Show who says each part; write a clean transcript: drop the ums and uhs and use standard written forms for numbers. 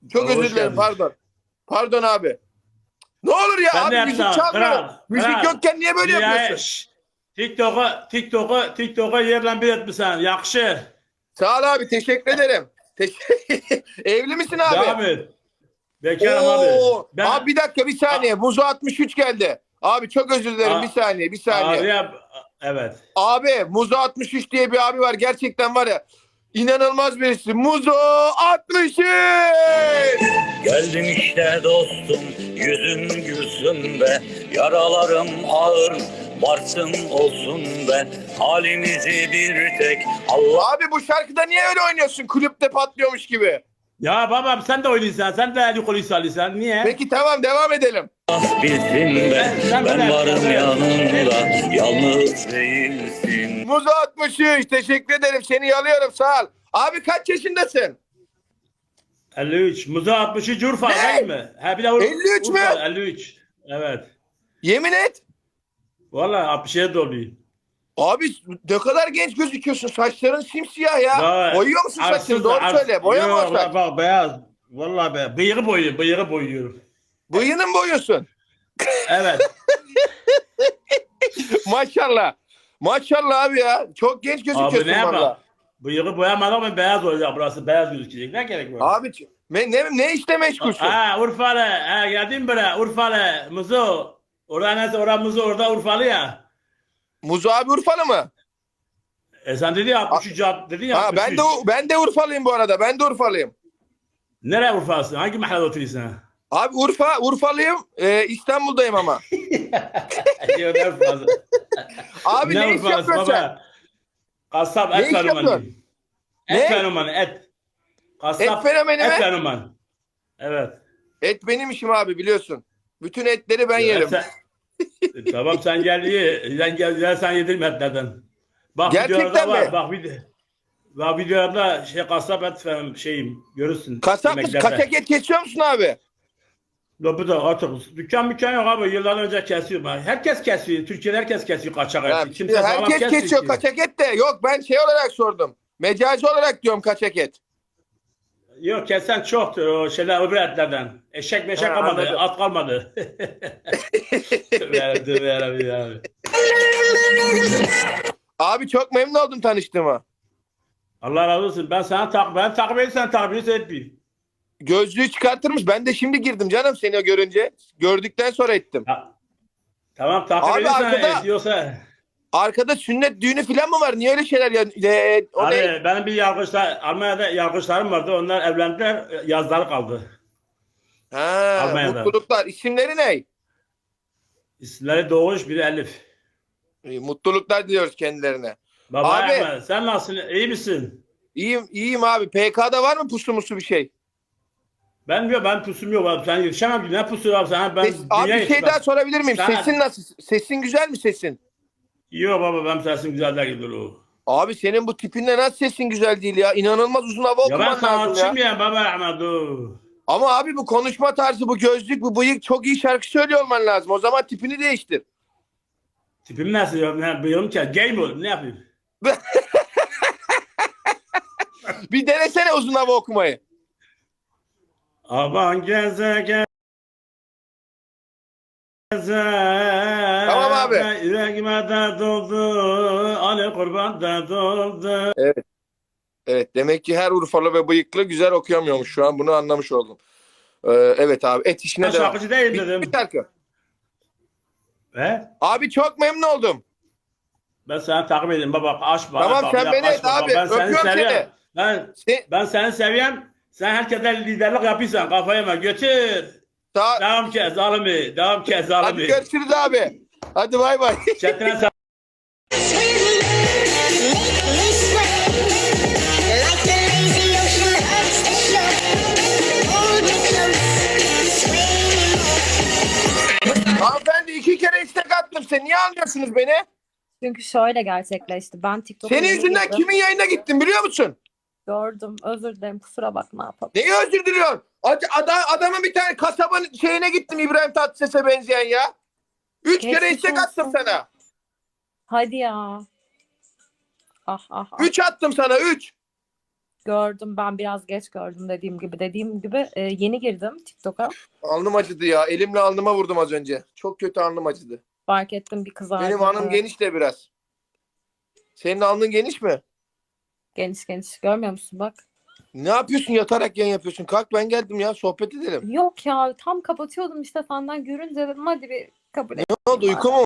Speaker 1: Çok
Speaker 2: Abi
Speaker 1: özür
Speaker 2: hoş
Speaker 1: dilerim,
Speaker 2: geldin.
Speaker 1: pardon. Pardon abi. Ne olur ya
Speaker 2: Ben de
Speaker 1: abi, müzik
Speaker 2: yapsam.
Speaker 1: çalmıyor.
Speaker 2: Kral.
Speaker 1: Müzik
Speaker 2: Kral.
Speaker 1: yokken niye böyle
Speaker 2: Dünyaya
Speaker 1: yapıyorsun?
Speaker 2: şşş. TikTok'a yerle bir etmişsin. Yakışır.
Speaker 1: Sağ ol abi, teşekkür ederim. Evli misin abi?
Speaker 2: Devam et. Bekarım abi.
Speaker 1: Oo, abi
Speaker 2: Ben
Speaker 1: bir dakika, bir
Speaker 2: a-
Speaker 1: saniye. Muzo 63 geldi. Abi çok özür dilerim, bir
Speaker 2: a-
Speaker 1: saniye, bir saniye.
Speaker 2: araya evet.
Speaker 1: Abi Muzo 63 diye bir abi var, gerçekten var ya. İnanılmaz birisi. Muzo 63.
Speaker 3: Geldim işte dostum, yüzün gülsün be. Yaralarım ağır, varsın olsun be. Halimizi bir tek Allah
Speaker 1: Abi bu şarkıda niye öyle oynuyorsun? Kulüpte patlıyormuş gibi.
Speaker 2: Ya babam sen de oynuyorsun. Sen de alkol alıyorsun. Niye?
Speaker 1: Peki tamam, devam edelim.
Speaker 3: bilsin be.
Speaker 2: Sen
Speaker 3: Ben
Speaker 2: böyle-
Speaker 3: varım yanında, yalnız değilsin.
Speaker 1: Muzo 63, teşekkür ederim. Seni yalıyorum, sağ ol. Abi kaç yaşındasın?
Speaker 2: 53. Muza 60'ı Urfa
Speaker 1: Ne?
Speaker 2: değil mi? Ha bir de
Speaker 1: 53 mü?
Speaker 2: Urfa 53. Evet.
Speaker 1: Yemin et.
Speaker 2: Vallahi 60'ya doluyor.
Speaker 1: Abi ne kadar genç gözüküyorsun. Saçların simsiyah ya.
Speaker 2: Ya,
Speaker 1: Boyuyor musun saçını?
Speaker 2: arsız-
Speaker 1: Doğru
Speaker 2: ars-
Speaker 1: söyle. Boya mı o
Speaker 2: Yok,
Speaker 1: saç?
Speaker 2: bak beyaz. Vallahi beyaz. Bıyığı boyuyorum.
Speaker 1: Bıyığını mı boyuyorsun?
Speaker 2: Evet.
Speaker 1: Maşallah. Maşallah abi ya. Çok genç
Speaker 2: Abi
Speaker 1: gözüküyorsun
Speaker 2: ne yapalım?
Speaker 1: valla.
Speaker 2: Bıyığı boyamadım ama beyaz olacak burası. Beyaz gözükecek. Ne gerek var?
Speaker 1: Abi ne işle meşgulsün?
Speaker 2: Ha Urfalı. Ha geldin buraya. Urfalı. Muzo. Orada neyse orada Muzo orada Urfalı ya.
Speaker 1: Muzo abi Urfalı mı?
Speaker 2: Sen dedi ya 63 dedin ya
Speaker 1: Ha,
Speaker 2: 63.
Speaker 1: ben de Urfalıyım bu arada. Ben de Urfalıyım.
Speaker 2: Nereye Urfa'sın? Hangi mahallede oturuyorsun?
Speaker 1: Abi Urfalıyım. İstanbul'dayım ama.
Speaker 2: Diyor ne Urfa'sı?
Speaker 1: Abi ne iş
Speaker 2: Urfa'sı
Speaker 1: yapıyorsun sen?
Speaker 2: baba? Kasap
Speaker 1: Ne
Speaker 2: et
Speaker 1: iş
Speaker 2: fenomanı.
Speaker 1: yapıyorsun?
Speaker 2: Et
Speaker 1: Ne?
Speaker 2: fenomanı et. Kasap
Speaker 1: Et fenomeni
Speaker 2: et
Speaker 1: mi?
Speaker 2: fenomanı. Evet.
Speaker 1: Et benim işim abi, biliyorsun. Bütün etleri ben yerim.
Speaker 2: Tamam sen gel ye. Sen yedirme etlerden. Bak
Speaker 1: Gerçekten
Speaker 2: videolarda var.
Speaker 1: mi?
Speaker 2: Bak videolarda kasap et şeyim görürsün.
Speaker 1: Kasap mısın?
Speaker 2: yemeklerde.
Speaker 1: Kaçak et kesiyor musun abi?
Speaker 2: Bu da artık dükkan yok abi. Yıllar önce kesiyor. Herkes kesiyor. Türkiye'de herkes kesiyor kaçak
Speaker 1: Ya,
Speaker 2: et. Kimse sağlam
Speaker 1: herkes
Speaker 2: kesmiyor
Speaker 1: kesiyor
Speaker 2: ki.
Speaker 1: kaçak et de. Yok, ben şey olarak sordum. Mecazi olarak diyorum kaçak et.
Speaker 2: Yok kesen çoktur o şeyler öbür etlerden. Eşek meşek
Speaker 1: Ha,
Speaker 2: kalmadı,
Speaker 1: anladım.
Speaker 2: at kalmadı. Tövbe yarabbim abi.
Speaker 1: Abi çok memnun oldum tanıştığıma.
Speaker 2: Allah razı olsun. Ben takip edersen takip etmeyeyim.
Speaker 1: Gözlüğü çıkartırmış. Ben de şimdi girdim canım seni görünce. Gördükten sonra ettim.
Speaker 2: Tamam takip
Speaker 1: Abi
Speaker 2: edersen
Speaker 1: arkada-
Speaker 2: ediyorsa.
Speaker 1: Arkada sünnet düğünü falan mı var? Niye öyle şeyler ya? O ne?
Speaker 2: Abi benim bir Almanya'da yargıçlarım vardı. Onlar evlendiler. Yazları kaldı.
Speaker 1: Ha,
Speaker 2: Almanya'da.
Speaker 1: mutluluklar. İsimleri ne?
Speaker 2: İsimleri Doğuş biri Elif.
Speaker 1: Mutluluklar diliyoruz kendilerine.
Speaker 2: Baba
Speaker 1: Abi-
Speaker 2: Ahmet, sen nasılsın? İyi misin?
Speaker 1: İyiyim abi. PK'da var mı pusu musu bir şey?
Speaker 2: Ben pusum yok abi. Sen yetişemem ki. Ne pusu abi sen? Ben
Speaker 1: Abi
Speaker 2: dünya
Speaker 1: bir şey daha sorabilir miyim?
Speaker 2: Sen-
Speaker 1: Sesin nasıl? Sesin güzel mi sesin?
Speaker 2: Yok baba benim sesim güzel değil o.
Speaker 1: Abi senin bu tipinle nasıl sesin güzel değil ya? İnanılmaz uzun hava
Speaker 2: Ya ben
Speaker 1: okuman lazım ya.
Speaker 2: sanatçıyım ya baba Ahmet o.
Speaker 1: Ama abi bu konuşma tarzı, bu gözlük, bu bıyık, çok iyi şarkı söylüyor olman lazım. O zaman tipini değiştir.
Speaker 2: Tipim nasıl ya? Ne bıyığım ki? Gay mi olayım? Ne yapayım?
Speaker 1: Bir denesene uzun hava okumayı.
Speaker 2: Aman geze.
Speaker 1: Tamam abi.
Speaker 2: Yüreğime de doldu. Ali kurban da doldu.
Speaker 1: Evet, demek ki her Urfalı ve bıyıklı güzel okuyamıyormuş şu an. Bunu anlamış oldum. Evet abi, et işine
Speaker 2: Ben
Speaker 1: devam.
Speaker 2: şarkıcı değilim
Speaker 1: Bir
Speaker 2: dedim.
Speaker 1: şarkı.
Speaker 2: He?
Speaker 1: Abi çok memnun oldum.
Speaker 2: Ben seni takip edeyim baba. Aç bana.
Speaker 1: Tamam,
Speaker 2: bak,
Speaker 1: sen
Speaker 2: bir
Speaker 1: beni
Speaker 2: dakika,
Speaker 1: et
Speaker 2: aç bak.
Speaker 1: abi.
Speaker 2: Ben seni
Speaker 1: Öpüyorum
Speaker 2: seviyorum.
Speaker 1: seni.
Speaker 2: Ben seni seviyorum. Sen herkese liderlik yapıyorsan kafaya mı? Götür. Devam ki zalimi. Devam ki
Speaker 1: Hadi
Speaker 2: zalimi.
Speaker 1: görüşürüz abi. Hadi bay bay.
Speaker 2: Çetine sen.
Speaker 1: Hanımefendi, 2 kere istek attım. Sen niye almıyorsunuz beni?
Speaker 4: Çünkü şöyle gerçekleşti. Ben TikTok'a
Speaker 1: Senin yüzünden
Speaker 4: girdim,
Speaker 1: kimin yayına gittim biliyor musun?
Speaker 4: gördüm. Özür dilerim. Kusura bak, ne yapalım.
Speaker 1: Neyi özür diliyorsun? Adamın bir tane kasabın şeyine gittim, İbrahim Tatlıses'e benzeyen ya. 3 kere
Speaker 4: Geçmiş
Speaker 1: istek attım
Speaker 4: olsun.
Speaker 1: sana.
Speaker 4: Hadi ya. Ah ah ah.
Speaker 1: 3 attım sana, 3.
Speaker 4: Gördüm, ben biraz geç gördüm dediğim gibi. Yeni girdim TikTok'a.
Speaker 1: Alnım acıdı ya. Elimle alnıma vurdum az önce. Çok kötü alnım acıdı.
Speaker 4: Fark ettim, bir kızardı.
Speaker 1: Benim alnım
Speaker 4: Evet.
Speaker 1: geniş de biraz. Senin alnın geniş mi?
Speaker 4: Geniş geniş. Görmüyor musun bak.
Speaker 1: Ne yapıyorsun? Yatarak yayın yapıyorsun. Kalk, ben geldim ya. Sohbet edelim.
Speaker 4: Yok ya, tam kapatıyordum işte, senden görünce dedim hadi bir kabul et.
Speaker 1: Ne oldu? Uyku mu